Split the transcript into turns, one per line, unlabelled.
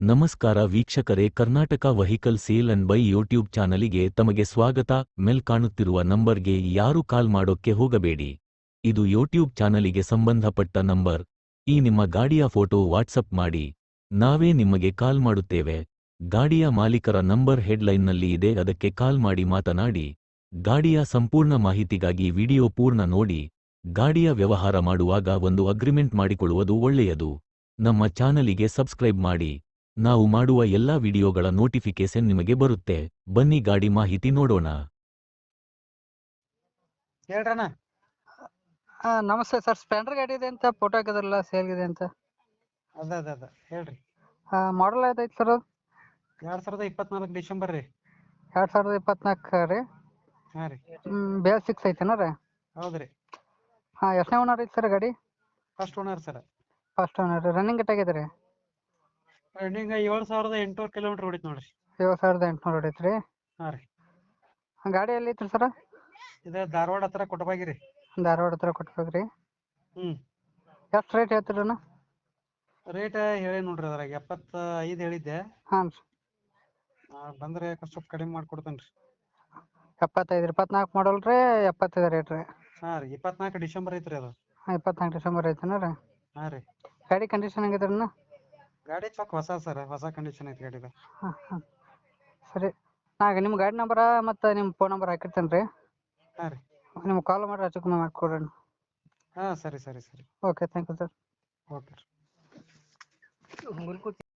ನಮಸ್ಕಾರ ವೀಕ್ಷಕರೇ, Karnataka vehicle sale and buy YouTube ಚಾನಲಿಗೆ ತಮಗೆ ಸ್ವಾಗತ. ಮೇಲ್ ಕಾಣುತ್ತಿರುವ ನಂಬರ್ಗೆ ಯಾರು ಕಾಲ್ ಮಾಡೋಕ್ಕೆ ಹೋಗಬೇಡಿ. ಇದು ಯೂಟ್ಯೂಬ್ ಚಾನಲಿಗೆ ಸಂಬಂಧಪಟ್ಟ ನಂಬರ್. ಈ ನಿಮ್ಮ ಗಾಡಿಯ ಫೋಟೋ ವಾಟ್ಸಪ್ ಮಾಡಿ, ನಾವೇ ನಿಮಗೆ ಕಾಲ್ ಮಾಡುತ್ತೇವೆ. ಗಾಡಿಯ ಮಾಲೀಕರ ನಂಬರ್ ಹೆಡ್ಲೈನ್ನಲ್ಲಿ ಇದೆ, ಅದಕ್ಕೆ ಕಾಲ್ ಮಾಡಿ ಮಾತನಾಡಿ. ಗಾಡಿಯ ಸಂಪೂರ್ಣ ಮಾಹಿತಿಗಾಗಿ ವಿಡಿಯೋ ಪೂರ್ಣ ನೋಡಿ. ಗಾಡಿಯ ವ್ಯವಹಾರ ಮಾಡುವಾಗ ಒಂದು ಅಗ್ರಿಮೆಂಟ್ ಮಾಡಿಕೊಳ್ಳುವುದು ಒಳ್ಳೆಯದು. ನಮ್ಮ ಚಾನಲಿಗೆ ಸಬ್ಸ್ಕ್ರೈಬ್ ಮಾಡಿ. ನಾವು ಮಾಡುವ ಎಲ್ಲಾ ವಿಡಿಯೋಗಳ ನೋಟಿಫಿಕೇಶನ್ ನಿಮಗೆ ಬರುತ್ತೆ. ಬನ್ನಿ ಗಾಡಿ ಮಾಹಿತಿ ನೋಡೋಣ.
ಹೇಳ್ರಣ್ಣ.
ನಮಸ್ತೆ ಸರ್, ಸ್ಪ್ಲೆಂಡರ್ ಗಾಡಿ ಇದೆ ಅಂತ ಫೋಟೋ ಹಾಕಿದ್ರಲ್ಲ, ಸೇಲ್ಗಿದೆ ಅಂತ.
ಅದ ಹೇಳ್ರಿ.
ಮಾಡಲ್ ಯಾವ್ದೈತೆ ಸರ್ ಅದು?
2024 ಡಿಸೆಂಬರ್ ರೀ.
2024 ರೀ.
ಹಾಂ ರೀ.
BS6 ಐತೆನ ರೀ?
ಹೌದ್ರಿ.
ಎಷ್ಟನೇ ಓನರ್ ಐತೆ ಸರ್ ಗಾಡಿ?
First owner sir.
First owner. Running ಎಷ್ಟಾಗಿದೆ ರೀ?
ರನ್ನಿಂಗ್ 7,800 ಕಿಲೋಮೀಟರ್ ಹೊಡಿತು ನೋಡ್ರಿ.
7,800 ಹೊಡೈತೆ ರೀ.
ಹಾಂ ರೀ.
ಗಾಡಿ ಎಲ್ಲಿ ಐತ್ರಿ ಸರ್?
ಇದು ಧಾರವಾಡ ಹತ್ರ ಕೊಟ್ಟಬಾಗಿ ರೀ.
ಧಾರವಾಡ ಹತ್ರ ಕೊಟ್ಬೇಕ್ರಿ. ಎಷ್ಟು ರೇಟ್ ಹೇಳ್ತೀರಣ್ಣ?
ರೇಟ್ ಹೇಳಿ ನೋಡ್ರಿ, ಅದ್ರಾಗ 75 ಹೇಳಿದ್ದೆ.
ಹಾಂ ರೀ.
ಬಂದರೆ ಸ್ವಲ್ಪ ಕಡಿಮೆ ಮಾಡ್ಕೊಡ್ತೇನೆ ರೀ.
75 24 ಮಾಡಲ್ ರೀ, 75 ರೇಟ್ ರೀ.
ಹಾಂ ರೀ. 24 ಡಿಸೆಂಬರ್ ಐತ್ರಿ ಅದು.
24 ಡಿಸೆಂಬರ್ ಐತೆನ ರೀ?
ಹಾಂ ರೀ.
ಗಾಡಿ ಕಂಡೀಷನ್ ಹೆಂಗಿದೆ ಅಣ್ಣ?
ಗಾಡಿ ಚೊಕ್ ಹೊಸ ಸರ್, ಹೊಸ ಕಂಡೀಷನ್ ಐತಿ ಗಾಡಿದ.
ಹಾಂ ಸರಿ. ನಿಮ್ಮ ಗಾಡಿ ನಂಬರ ಮತ್ತು ನಿಮ್ಮ ಫೋನ್ ನಂಬರ್ ಹಾಕಿರ್ತೇನೆ ರೀ.
ಹಾಂ ರೀ.
ನಿಮ್ಗೆ ಕಾಲ್ ಮಾಡಿ ಹೆಚ್ಚು ಕಮ್ಮಿ ಮಾಡಿಕೊಡ್ರಿ.
ಹಾಂ ಸರಿ.
Okay, thank you sir.
Okay ರೀ.